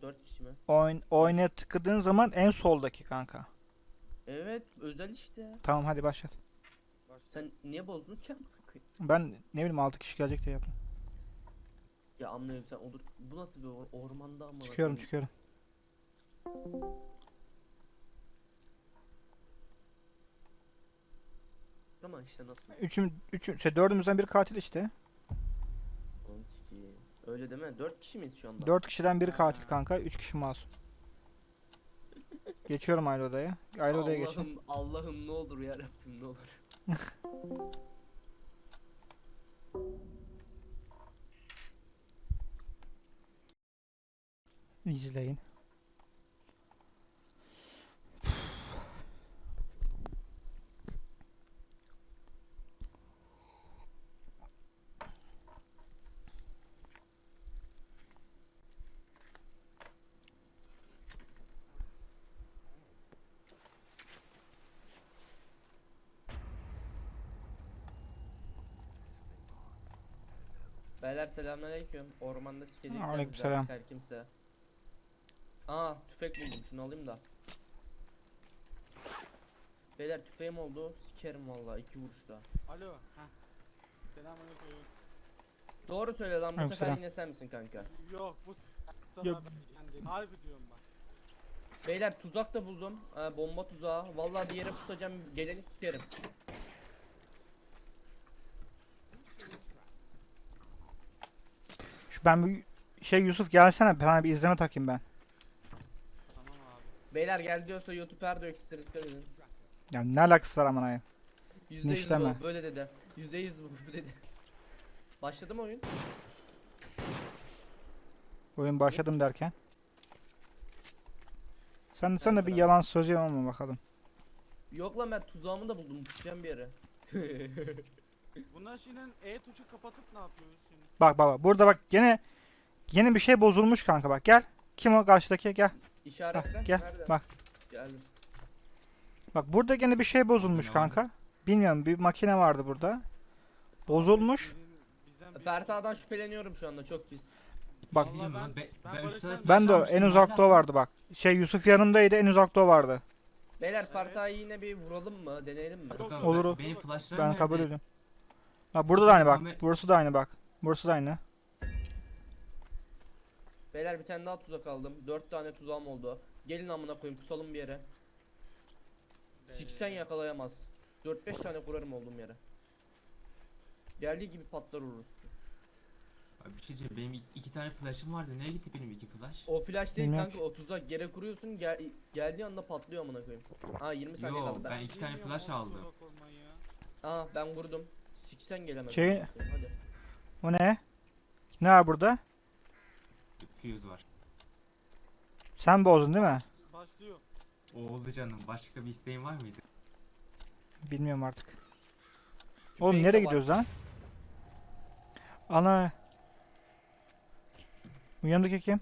4 kişi mi? Oynaya tıkladığın zaman en soldaki kanka. Evet, özel işte. Tamam hadi başlat. Sen niye bozdun ki amına koyayım? Ben ne bileyim 6 kişi gelecek diye yaptım. Ya anlıyorum sen olur. Bu nasıl bir ormanda amına Çıkıyorum koyayım? çıkıyorum. Ama işte nasıl? Dördümüzden biri katil işte. Onu sikeyim. Öyle deme. 4 kişi miyiz şu anda? 4 kişiden biri katil kanka. 3 kişi masum. Geçiyorum ayrı odaya. Ayrı odaya geçin. Allah'ım Allah'ım ne olur ya Rabbim ne olur. İzleyin. Beyler selamünaleyküm. Ormanda sikecekler bizi Aleykümselam. artık her kimse. Aa tüfek buldum şunu alayım da. Beyler tüfeğim oldu. Sikerim vallahi 2 vuruşta. Alo. Heh. Selamünaleyküm. Doğru söyle lan bu sefer Aleykümselam. yine sen misin kanka? Yok bu sefer Yok. ben değilim. Harbi diyorum bak. Beyler tuzak da buldum. Bomba tuzağı. Vallahi bir yere pusacağım geleni sikerim. Ben bir Yusuf gelsene. Ben bir izleme takayım ben. Tamam abi. Beyler gel diyorsa YouTube her ekstra dikkat edin. Ya ne alakası var aman ayı. %100 Nişleme. bu böyle dedi. %100 bu dedi. Başladı mı oyun? Oyun başladım derken. Sen de bir Kanka. yalan söyleyeyim ama bakalım. Yok lan ben tuzağımı da buldum. Pusacağım bir yere. Bunlar şimdi E tuşu kapatıp ne yapıyoruz şimdi? Bak. Burada bak yeni bir şey bozulmuş kanka bak gel. Kim o karşıdaki gel. İşaretle. Gel Nerede? bak. Geldim. Bak burada gene bir şey bozulmuş Ne vardı? kanka. Bilmiyorum bir makine vardı burada. Bozulmuş. Bizden biri Ferta'dan olsun. şüpheleniyorum şu anda çok pis. Bak. Bir şey diyeyim mi lan? ben Ben Barış'tan- üstüne Ben de taş en almıştım, uzakta o hala- vardı bak. Yusuf yanımdaydı en uzakta o vardı. Beyler Ferta'yı yine bir vuralım mı? Deneyelim mi? Yok, Yok abi, Olur. Benim flashlarım Ben nerede? kabul ediyorum. Bak burada da aynı bak. Muhammed- Burası da aynı bak. Burası da aynı. Beyler bir tane daha tuzak aldım. 4 tane tuzağım oldu. Gelin amına koyayım pusalım bir yere. Siksen yakalayamaz. 4-5 tane kurarım olduğum yere. Geldiği gibi patlar vururuz. Abi bir şey diyeceğim. Benim iki tane flash'ım vardı. Nereye gitti benim iki flash? O flash değil Bilmiyorum kanka o tuzak yere kuruyorsun geldiği anda patlıyor amına koyayım. Aa 20 saniye Yo, kaldı ben ben. iki tane Bilmiyorum flash oğlum, aldım. tuzak olmayı ya. Aa ben vurdum. Siksen gelemez. Şey- amına koyayım, Hadi. O ne? Ne var burada? Fuse var. Sen bozdun değil mi? Başlıyor. O oldu canım. Başka bir isteğin var mıydı? Bilmiyorum artık. Tüfeğim Oğlum de nereye var. gidiyoruz lan? Ana. Bu yanındaki kim?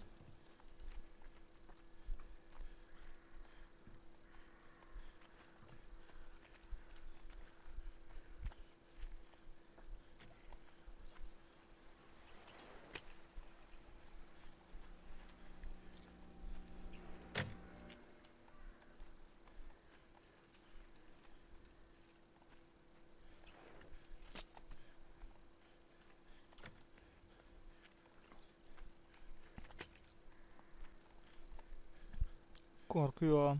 Korkuyorum.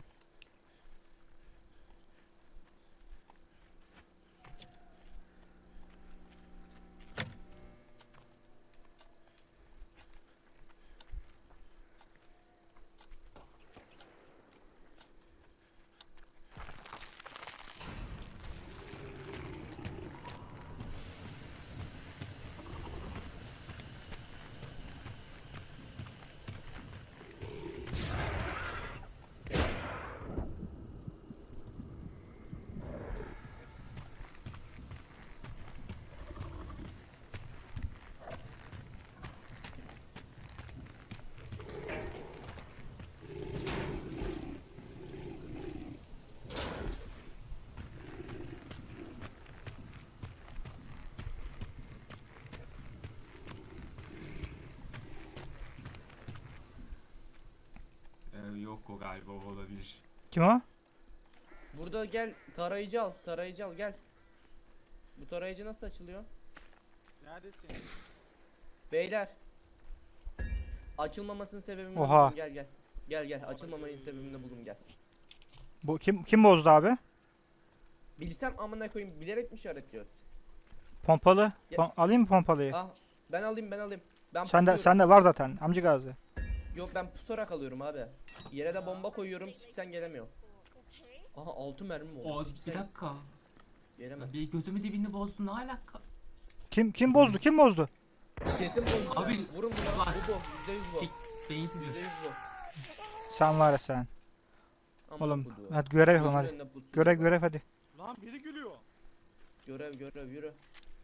Yok o galiba o olabilir. Kim o? Burada gel tarayıcı al. Tarayıcı al gel. Bu tarayıcı nasıl açılıyor? Neredesin? Beyler. Açılmamasının sebebini Oha. buldum, gel gel. Gel gel, açılmamanın sebebini buldum, gel. Bu kim bozdu abi? Bilsem amına koyayım, bilerek mi işaretliyor? Pompalı. Ya- Alayım mı pompalıyı? Ah, ben alayım. Ben Sende pusuyorum. var zaten amca Gazi. Yok, ben pusarak alıyorum abi. Yere de bomba koyuyorum, siksen gelemiyor. Aha 6 mermi oldu. O bir Siksen dakika. gelemez. Bir gözümü dibinde bozdun ne alaka? Kim bozdu? Kim bozdu? Kesin bozdu. Abi, Vurun buna. bak. Bu. %100 bu. Sik beyinsiz. %100 bu. Sen var ya sen. Amına Oğlum koyduğum. hadi görev yapalım Gözünün hadi. önüne pusu. Görev hadi. Lan biri gülüyor. Görev yürü.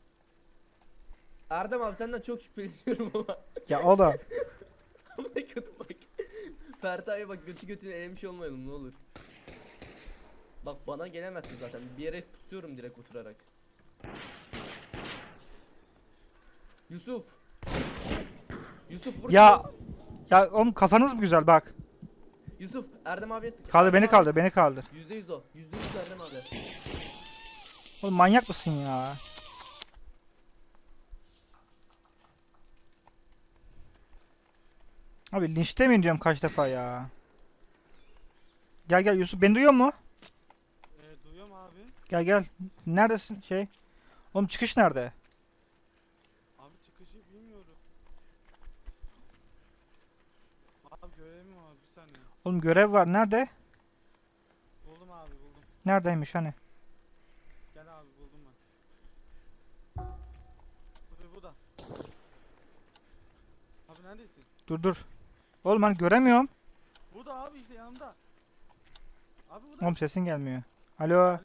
Erdem abi senden çok şüpheleniyorum ama. Ya oğlum. Amına koydum bak. Ferta'ya bak, götüne elemiş olmayalım ne olur. Bak bana gelemezsin zaten. Bir yere pusuyorum direkt oturarak. Yusuf. Yusuf vur. Ya oğlum kafanız mı güzel bak. Yusuf Erdem abiye sık. Kaldır Erdem beni abi kaldır sık. beni kaldır. %100 o. %100 Erdem abi. Oğlum manyak mısın ya? Abi linçlemeyin diyorum kaç defa ya. Gel Yusuf beni duyuyor mu? Duyuyorum abi. Gel. Neredesin şey? Oğlum çıkış nerede? Abi çıkışı bilmiyorum. Abi görevim var bir saniye. Oğlum görev var nerede? Buldum abi buldum. Neredeymiş hani? Gel abi buldum ben. Bu da. Abi neredesin? Dur. Oğlum hani göremiyorum. Bu da abi işte yanımda. Abi bu da. Oğlum sesin gelmiyor. Alo. Alo.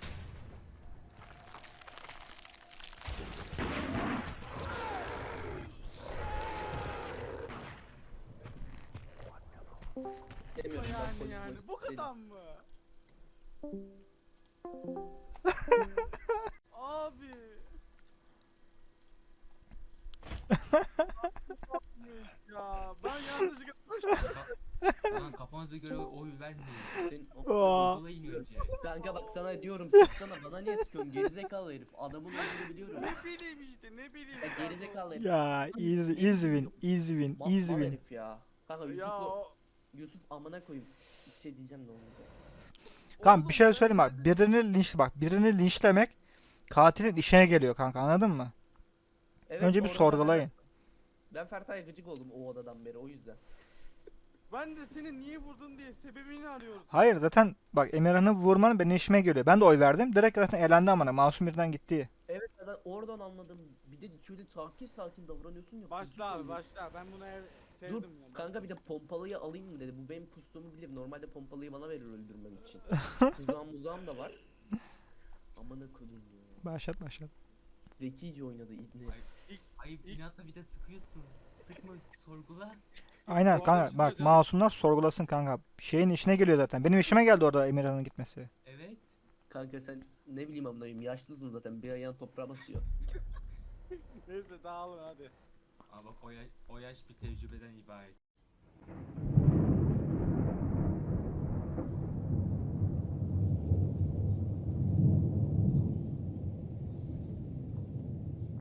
Demiyorum ben, polis, Yani polis bu değilim. kadar mı? Abi. Ya ben yanlışlıkla koştum. Lan kafanıza göre oy vermeyin. Senin Aa. Google'a iniyor önce. Kanka bak sana diyorum, sıksana, bana niye sıkıyorsun gerizekalı herif, adamın olduğunu biliyorum. Ne bileyim işte ne bileyim. Ya gerizekalı herif. Ya easy win. Mal herif ya. Kanka Ya Yusuf'u, o. Yusuf amına koyayım. Bir şey diyeceğim de olmayacak. Kanka bir şey söyleyeyim bak. Birini linçlemek katilin işine geliyor kanka anladın mı? Evet, Önce bir orada sorgulayın. Ben Fertay'a gıcık oldum o odadan beri, o yüzden. Ben de seni niye vurdun diye sebebini arıyorum. Hayır zaten bak Emirhan'ı vurmanın benim işime geliyor. Ben de oy verdim. Direkt zaten elendi amına. Masum birden gitti. Evet, zaten oradan anladım. Bir de şöyle sakin davranıyorsun ya. gıcık Başla abi oluyor. başla. Ben bunu Dur sevdim ya. kanka, bir de pompalıyı alayım mı dedi. Bu benim pustuğumu bilir. Normalde pompalıyı bana verir öldürmem için. Muzağım da var. Amına koyayım ya. Başlat. Zekice oynadı ibne. Ayıp inatla bir de sıkıyorsun. Sıkma sorgula. Aynen Bu arada bir kanka şey bak söyleyeceğim. masumlar sorgulasın kanka. Şeyin işine geliyor zaten. Benim işime geldi orada Emirhan'ın gitmesi. Evet. Kanka sen ne bileyim amına koyayım, yaşlısın zaten, bir ayağın toprağa basıyor. Neyse dağılın hadi. Ama bak o yaş bir tecrübeden ibaret.